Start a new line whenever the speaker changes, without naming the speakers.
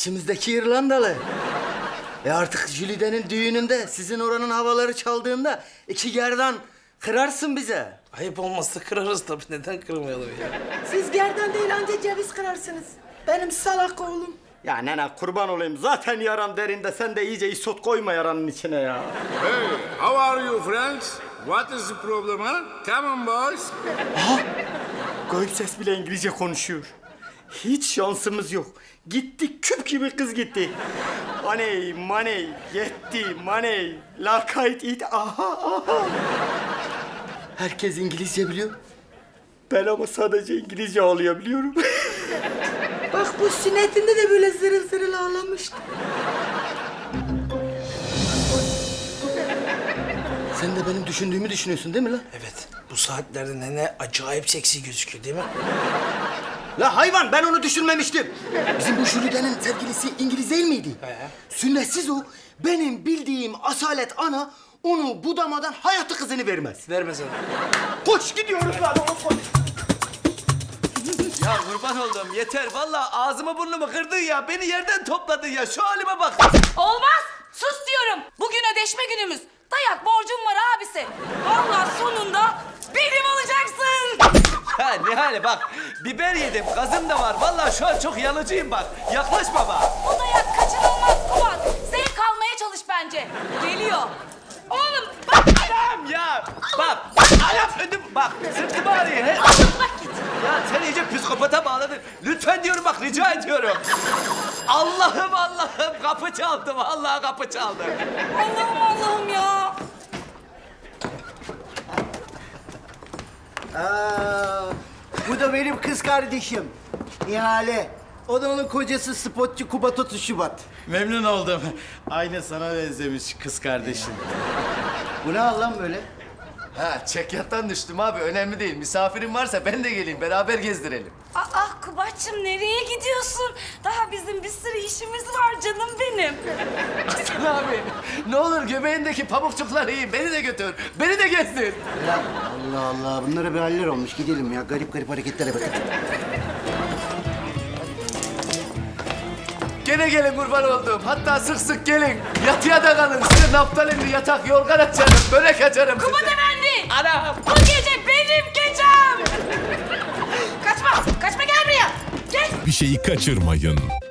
İçimizdeki İrlandalı. Artık Jülide'nin düğününde sizin oranın havaları çaldığında iki gerdan kırarsın bize.
Ayıp olmazsa kırarız tabii. Neden kırmayalım ya?
Siz gerdan değil anca ceviz kırarsınız. Benim salak oğlum.
Ya nene kurban olayım. Zaten yaram derinde. Sen de iyice isot koyma yaranın içine ya.
Hey, how are you, friends? What is the problem, huh? Come on, boys.
Gayip ses bile İngilizce konuşuyor. Hiç şansımız yok. Gitti küp gibi kız gitti. Money, money, yetti, money, lakayt it, aha, aha. Herkes İngilizce biliyor. Ben ama sadece İngilizce ağlayabiliyorum.
Bak bu sünnetinde de böyle zırıl zırıl ağlamıştı.
Sen de benim düşündüğümü düşünüyorsun değil mi lan?
Evet. Bu saatlerde nene acayip seksi gözüküyor değil mi?
La hayvan, ben onu düşünmemiştim. Bizim bu Jülide'nin sevgilisi İngiliz değil miydi?
He.
Sünnetsiz o. Benim bildiğim asalet ana onu budamadan hayatı kızını vermez.
Vermez ana.
Koş gidiyoruz lan oğlum koş.
Ya kurban oldum yeter. Vallahi ağzımı burnumu kırdın ya. Beni yerden topladın ya. Şu halime bak.
Olmaz. Sus diyorum. Bugün ödeşme günümüz. Dayak borcum var abisi. Vallahi sonunda benim olacaksın.
Ha Nihale bak. Biber yedim. Gazım da var. Vallahi şu an çok yanıcıyım bak. Yaklaşma bak.
O dayak kaçınılmaz Kubat. Zevk almaya çalış bence. Geliyor. Oğlum bak.
Anam ya. Bak. Anam ödüm. Bak sırtım ağrıyor. He.
Bak git.
Ya sen iyice psikopata bağladın. Lütfen diyorum bak rica ediyorum. Allah'ım Allah'ım kapı çaldı. Vallahi kapı çaldı.
Allah'ım Allah'ım ya.
Bu da benim kız kardeşim. Nihale. O da onun kocası spotçu Kubat 30 Şubat.
Memnun oldum. Aynı sana benzemiş kız kardeşin.
Bu ne hal lan böyle?
Ha çekyattan düştüm abi. Önemli değil. Misafirin varsa ben de geleyim. Beraber gezdirelim.
Aa Kubat'cığım nereye gidiyorsun? Daha bizim bir sürü işimiz var canım benim.
Hasan abi ne olur göbeğindeki pamukçukları yiyin. Beni de götür. Beni de gezdir.
Lan Allah Allah bunlara bir haller olmuş. Gidelim ya. Garip garip hareketlere bakın.
Gene gelin kurban olduğum. Hatta sık sık gelin. Yatıya da kalın. Size naftalinli yatak, yorgan açarım, börek açarım.
Kubat
size.
efendi.
Anam.
Bu gece benim gecem. Kaçma gel buraya. Gel.
Bir şeyi kaçırmayın.